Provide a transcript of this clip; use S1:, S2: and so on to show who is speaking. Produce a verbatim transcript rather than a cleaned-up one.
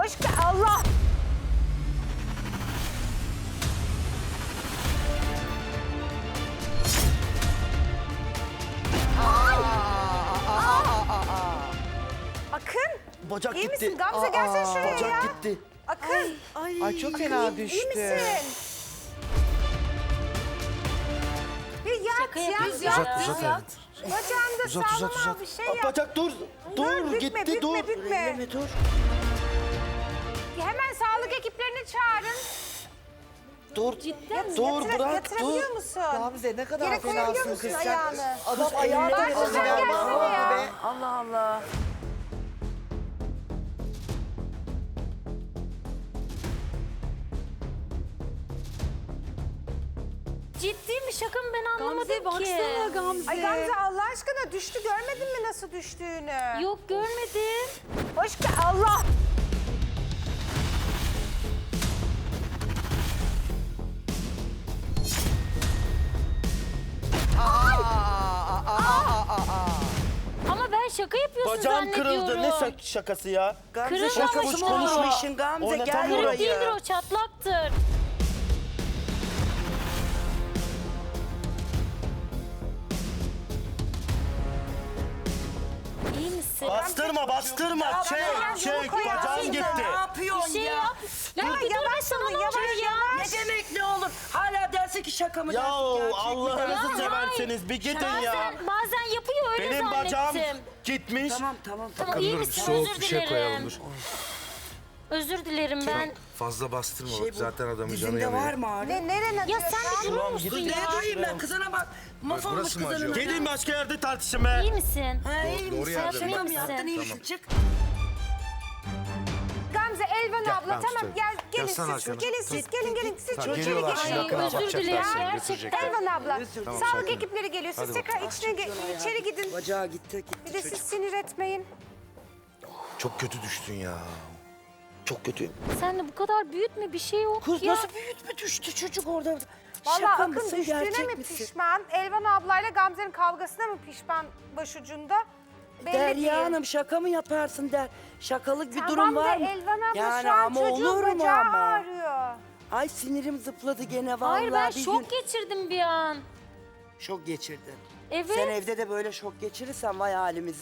S1: Hoş geldin. Allah. Akın.
S2: Bacak
S1: İyi
S2: gitti.
S1: misin? Gamze gelsene şuraya
S2: Bacak
S1: ya.
S2: gitti.
S1: Akın.
S3: Ay,
S4: Ay çok fena düştü.
S1: İyi misin? Bir yat,
S3: Şaka
S1: yat,
S3: yapıyoruz
S1: yat.
S3: ya.
S2: Uzat, uzat
S3: Yat.
S1: Bacağında
S2: Uzat, uzat,
S1: sağlam
S2: uzat.
S1: bir şey
S2: Aa,
S1: yap.
S2: Bacak dur. Dur,
S1: bükme,
S2: gitti,
S1: bükme,
S2: dur.
S1: bükme.
S2: Elleme, dur.
S1: Hemen sağlık ekiplerini çağırın.
S2: Dur.
S1: Cidden
S2: Dur, bırak,
S1: Yatırabiliyor
S2: dur.
S1: musun?
S4: Gamze ne kadar
S1: Yere koyabiliyor
S4: fenasın
S1: musun
S4: kız sen.
S1: ayağını?
S4: Adam ayağına
S1: Bak,
S4: vurdu
S1: sen
S4: ya.
S1: gelsene
S4: Bak,
S1: ya.
S4: be.
S3: Allah Allah. Ciddi mi şaka mı ben anlamadım
S5: Gamze
S3: ki.
S5: baksana Gamze.
S1: Ay Gamze Allah aşkına düştü, görmedin mi nasıl düştüğünü?
S3: Yok görmedim.
S1: Hoş geldin. Allah.
S3: Ama ben şaka yapıyorsun
S2: Bacağım
S3: zannediyorum.
S2: kırıldı. Ne şak- şakası ya?
S3: Kırılmamış
S2: Gamze şakamış
S3: mı?
S2: konuşma.
S6: işin Gamze, gel
S2: Oynatamıyorum.
S3: Kırık değildir o çatlaktır. İyi misin?
S2: Bastırma, bastırma. Çek, çek. Bacağım gitti.
S6: Ne
S3: Bir
S6: yapıyorsun
S3: şey
S6: ya?
S3: yap. Ya
S1: Ya
S3: bir dur
S1: yavaş
S3: be sana
S1: olun,
S3: ne
S1: yavaş,
S3: oluyor ya?
S1: yavaş.
S6: Ne demek ne olur? Hala dersin ki şaka mı
S2: Ya
S6: dersin gerçek mi?
S2: Allah'ınızı
S3: Ya
S2: severseniz bir gidin ya.
S3: Bazen, bazen yapıyor öyle
S2: Benim bacağım
S3: zannettim.
S2: gitmiş.
S6: Tamam tamam tamam.
S3: Tamam iyi
S7: Dur,
S3: misin?
S7: soğuk
S3: Özür
S7: bir şey koyalım
S3: dilerim.
S7: dur.
S3: Özür dilerim ben.
S7: Fazla bastırma
S6: Şey
S7: bak
S6: bu,
S7: zaten adamın canı
S6: dizinde
S7: yanıyor.
S6: var mı ağrı?
S1: Ne, neren acıyor
S3: Ya sen
S1: şu
S3: bir
S1: an?
S3: durur musun
S6: Dur
S3: ya?
S6: neye duyayım ben kızına bak. Mahvolmuş
S7: burası mı
S6: kızının.
S7: acıyor?
S2: Gidin başka yerde tartışın be.
S3: İyi misin?
S6: Ha iyi
S7: Doğru
S6: misin?
S7: yerde
S6: Şaka
S3: mi?
S6: mı yaptın iyi misin? Çık.
S1: Gamze, Elvan abla
S7: ben
S1: tamam
S7: tutarım.
S1: gel gelin
S7: Yazsana
S1: siz.
S7: arkana.
S1: Gelin siz gelin gelin siz
S7: Tamam,
S1: çocuğu
S7: geliyorlar
S1: geçin.
S7: şimdi,
S3: Ay
S7: yakına
S3: özür
S7: bakacaklar
S3: dilerim
S7: seni,
S3: gerçekten.
S7: götürecekler.
S1: Elvan abla
S7: Tamam,
S1: sağlık
S7: sakin.
S1: ekipleri geliyor. Siz
S7: Hadi
S1: tekrar içine ge- içeri gidin.
S6: Bacağı gitti gitti
S1: Bir de
S6: çocuk.
S1: siz sinir etmeyin.
S7: Çok kötü düştün ya. Çok kötü.
S3: Sen de bu kadar büyütme bir şey yok
S6: Kız
S3: ya.
S6: nasıl büyütme düştü çocuk orada.
S1: Vallahi
S6: Şaka
S1: Akın
S6: mısın
S1: düştüğüne
S6: gerçek
S1: mi
S6: misin?
S1: pişman? Elvan ablayla Gamze'nin kavgasına mı pişman başucunda? Belli
S6: Derya
S1: değil.
S6: Hanım şaka mı yaparsın der. Şakalık bir
S1: Tamam
S6: durum
S1: da
S6: var mı?
S1: Elvan abla
S6: Yani
S1: şu an
S6: ama
S1: çocuğun
S6: olur mu
S1: bacağı
S6: ama?
S1: ağrıyor.
S6: Ay sinirim zıpladı gene vallahi.
S3: Hayır ben
S6: bir
S3: şok
S6: gün.
S3: geçirdim bir an.
S6: Şok geçirdin.
S3: Evet.
S6: Sen evde de böyle şok geçirirsen vay halimiz.